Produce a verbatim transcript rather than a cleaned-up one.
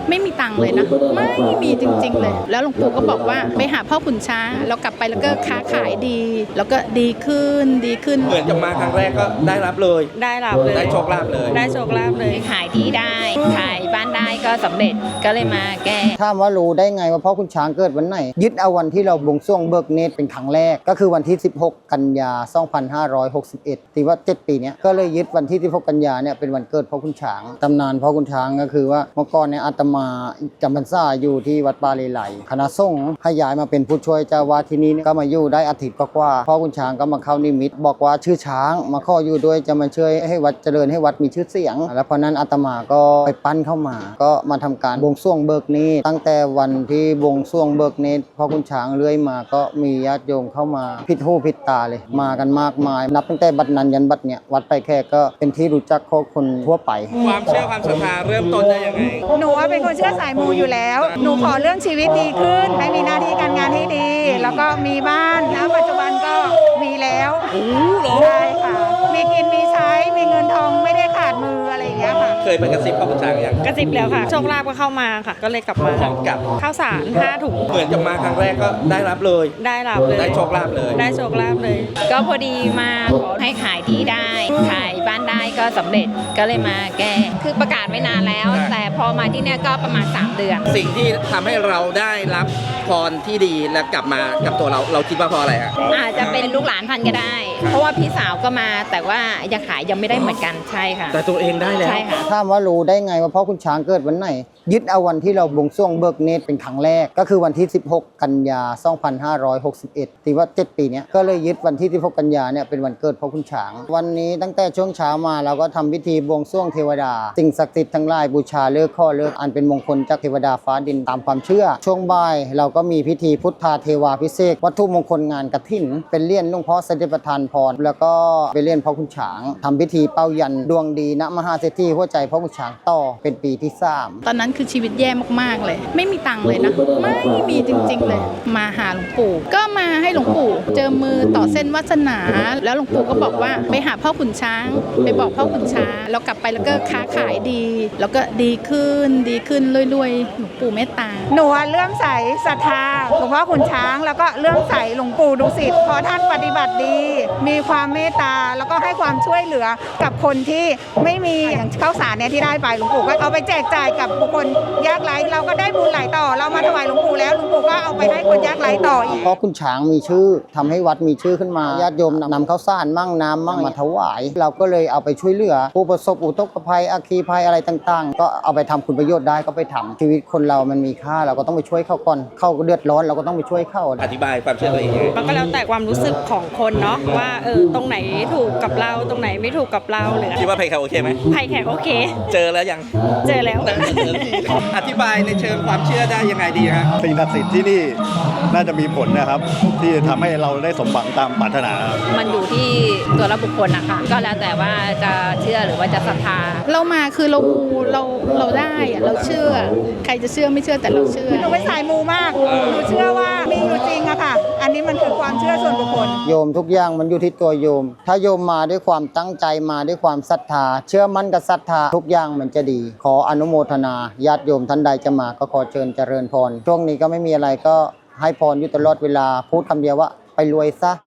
ไม่มีตังค์เลยนะไม่มีจริงๆเลยแล้วหลวงปู่ก็บอกว่าไปหาพ่อขุนช้างแล้วกลับไปแล้วก็ค้าขายดี แล้วก็ดีขึ้นดีขึ้นเหมือนจะมาครั้งแรกก็ได้รับเลยได้รับเลยได้โชคลาภเลยได้โชคลาภเลยขายที่ได้ขายบ้านได้ก็สำเร็จก็เลยมาแก้ถามว่ารู้ได้ไงว่าพ่อขุนช้างเกิดวันไหนยึดเอาวันที่เราบวงสรวงเบิกเนตรเป็นครั้งแรกก็คือวันที่สิบหกกันยาสองพันห้าร้อยหกสิบเอ็ดที่ว่าเจ็ดปีนี้ก็เลยยึดวันที่สิบหกกันยาเนี่ยเป็นวันเกิดพ่อขุนช้างตำนานพ่อขุนช้างก็คือว่าเมื่อก่อนเนี่ยอาตมาจำพรรษาอยู่ที่วัดป่าเลไลคณะสงฆ์ให้ย้ายมาเป็นผู้ช่วยเจ้าวาดที่นี่ก็มาอยู่ได้อาทิตย์กว่าพ่อขุนช้างก็มาเข้านิมิตบอกว่าชื่อช้างมาขออยู่ด้วยจะมาช่วยให้วัดเจริญให้วัดมีชื่อเสียงแล้วเพราะนั้นอาตมาก็ไปปั้นเข้ามาก็มาทำการบวงสรวงเบิกเนตรตั้งแต่วันที่บวงสรวงเบิกเนตรพ่อขุนช้างเรื่อยมาก็มีญาติโยมเข้ามาผิดหูผิดตาเลยมากันมากมายนับตั้งแต่บัดนั้นยันบัดเนี่ยวัดไปแค่ก็เป็นที่รู้จักของคนทั่วไปความเชื่อความศรัทธาเริ่มต้นได้ยังไงหนูว่าเป็นคนเชื่อสายมูอยู่แล้วหนูขอเรื่องชีวิตดีขึ้นให้มีหน้าที่การงานให้ดี แล้วก็มีบ้านณปัจจุบันก็มีแล้วใช่ค่ะมีกินมีใช้มีเงินทองไม่ได้ขาดมืออะไรอย่างเงี้ยค่ะเคยไปกระซิบพ่อขุนช้างยังกระซิบแล้วค่ะโชคลาภก็เข้ามาค่ะก็เลยกลับมาพร้อมกับข้าวสารห้าถุงเหมือนจะมาครั้งแรกก็ได้รับเลยได้รับเลยได้โชคลาภเลยได้โชคลาภเลยก็พอดีมาขอให้ขายที่ได้ขายบ้านได้ก็สำเร็จก็เลยมาแก้คือประกาศไว้นานแล้วแต่พอมาที่เนี่ยก็ประมาณสามเดือนสิ่งที่ทำให้เราได้รับพรที่ดีและกลับมากับตัวเราเราคิดว่าเพราะอะไรฮะอาจจะเป็นลูกหลานพันก็ได้เพราะว่าพี่สาวก็มาแต่ว่ายังขายยังไม่ได้เหมือนกันใช่ค่ะแต่ตัวเองได้แล้วใช่ค่ะถามว่ารู้ได้ไงว่าพ่อขุนช้างเกิดวันไหนยึดเอาวันที่เราบวงสรวงเบิกเนตรเป็นครั้งแรกก็คือวันที่สิบหกกันยาสองพันห้าร้อยหกสิบเอ็ดที่ว่าเจ็ดปีนี้ก็เลยยึดวันที่สิบหกกันยาเนี่ยเป็นวันเกิดพ่อขุนช้างวันนี้ตั้งแต่ช่วงเช้ามาเราก็ทำพิธีบวงสรวงเทวดาสิ่งศักดิ์สิทธิ์ทั้งหลายบูชาเลิกข้อเลิกอันเป็นมงคลจากเทวดาฟ้าดินตามความเชื่อช่วงบ่ายเราก็มีพิธีพุทธาเทวาพิเศษวัตถุมงคลงานกฐินเป็นเลี่ยนหลวงพ่อเสด็จประทานพรแล้วก็เป็นเลี่ยนพ่อขุนช้างทำพิธีเป้ายันดวงดีณมหาเศรษฐีหัวใจพ่อขุนช้างต่อเป็นปีที่สามตอนนั้นคือชีวิตแย่มากๆเลยไม่มีตังค์เลยนะไม่มีจริงๆเลยมาหาหลวงปู่ก็มาให้หลวงปู่เจอมือต่อเส้นวาสนาแล้วหลวงปู่ก็บอกว่าไปหาพ่อขุนช้างไปบอกพ่อขุนช้างแล้วกลับไปแล้วก็ค้าขายดี แล้วก็ดีขึ้นดีขึ้นรวยๆหลวงปู่เมตตาหนูเลื่อมใสศรัทธาหลวงพ่อขุนช้างแล้วก็เลื่อมใสหลวงปู่ดุสิตเพราะท่านปฏิบัติดีมีความเมตตาแล้วก็ให้ความช่วยเหลือกับคนที่ไม่มีอย่างข้าวสารเนี่ยที่ได้ไปหลวงปู่ก็เอาไปแจกจ่ายกับบุคคลยากไร้เราก็ได้บุญไหลต่อเรามาถวายหลวงปู่แล้วหลวงปู่ก็เอาไปให้คนยากไร้ต่ออีกเพราะขุนช้างมีชื่อทำให้วัดมีชื่อขึ้นมาญาติโยมนำข้าวสารมั่งน้ำมั่งมาถวายเราก็เลยเอาไปช่วยเหลือผู้ประสบอุทกภัยอัคคีภัยอะไรต่างๆก็เอาไปทำคุณประโยชน์ได้ก็ไปทำชีวิตคนเรามันมีค่าเราก็ต้องไปช่วยเขาก่อนเขาเดือดร้อนเราก็ต้องไปช่วยเขาอธิบายความเชื่อตัวเองมันก็แล้วแต่ความรู้สึกของคนเนาะว่าเออตรงไหนถูกกับเราตรงไหนไม่ถูกกับเราหรือคิดว่าไผ่แขกโอเคไหมไผ่แขกโอเคเจอแล้วยังเจอแล้วอธิบายในเชิงความเชื่อได้ยังไงดีฮะสิ่งศักดิ์สิทธิ์ที่นี่น่าจะมีผลนะครับที่ทำให้เราได้สมหวังตามปรารถนามันอยู่ที่ตัวละบุคคลนะคะก็แล้วแต่ว่าจะเชื่อหรือว่าจะศรัทธาเรามาคือเรามูเราเราได้อะเราเชื่อใครจะเชื่อไม่เชื่อแต่เราเชื่อหนูเป็นสายมูมากหนูเชื่อว่ามีอยู่จริงอะค่ะอันนี้มันคือความเชื่อส่วนบุคคลโยมทุกอย่างมันอยู่ที่ตัวโยมถ้าโยมมาด้วยความตั้งใจมาด้วยความศรัทธาเชื่อมั่นกับศรัทธาทุกอย่างมันจะดีขออนุโมทนาญาติโยมท่านใดจะมาก็ขอเชิญเจริญพรช่วงนี้ก็ไม่มีอะไรก็ให้พรอยู่ตลอดเวลาพูดคำเดียวว่าไปรวยซะ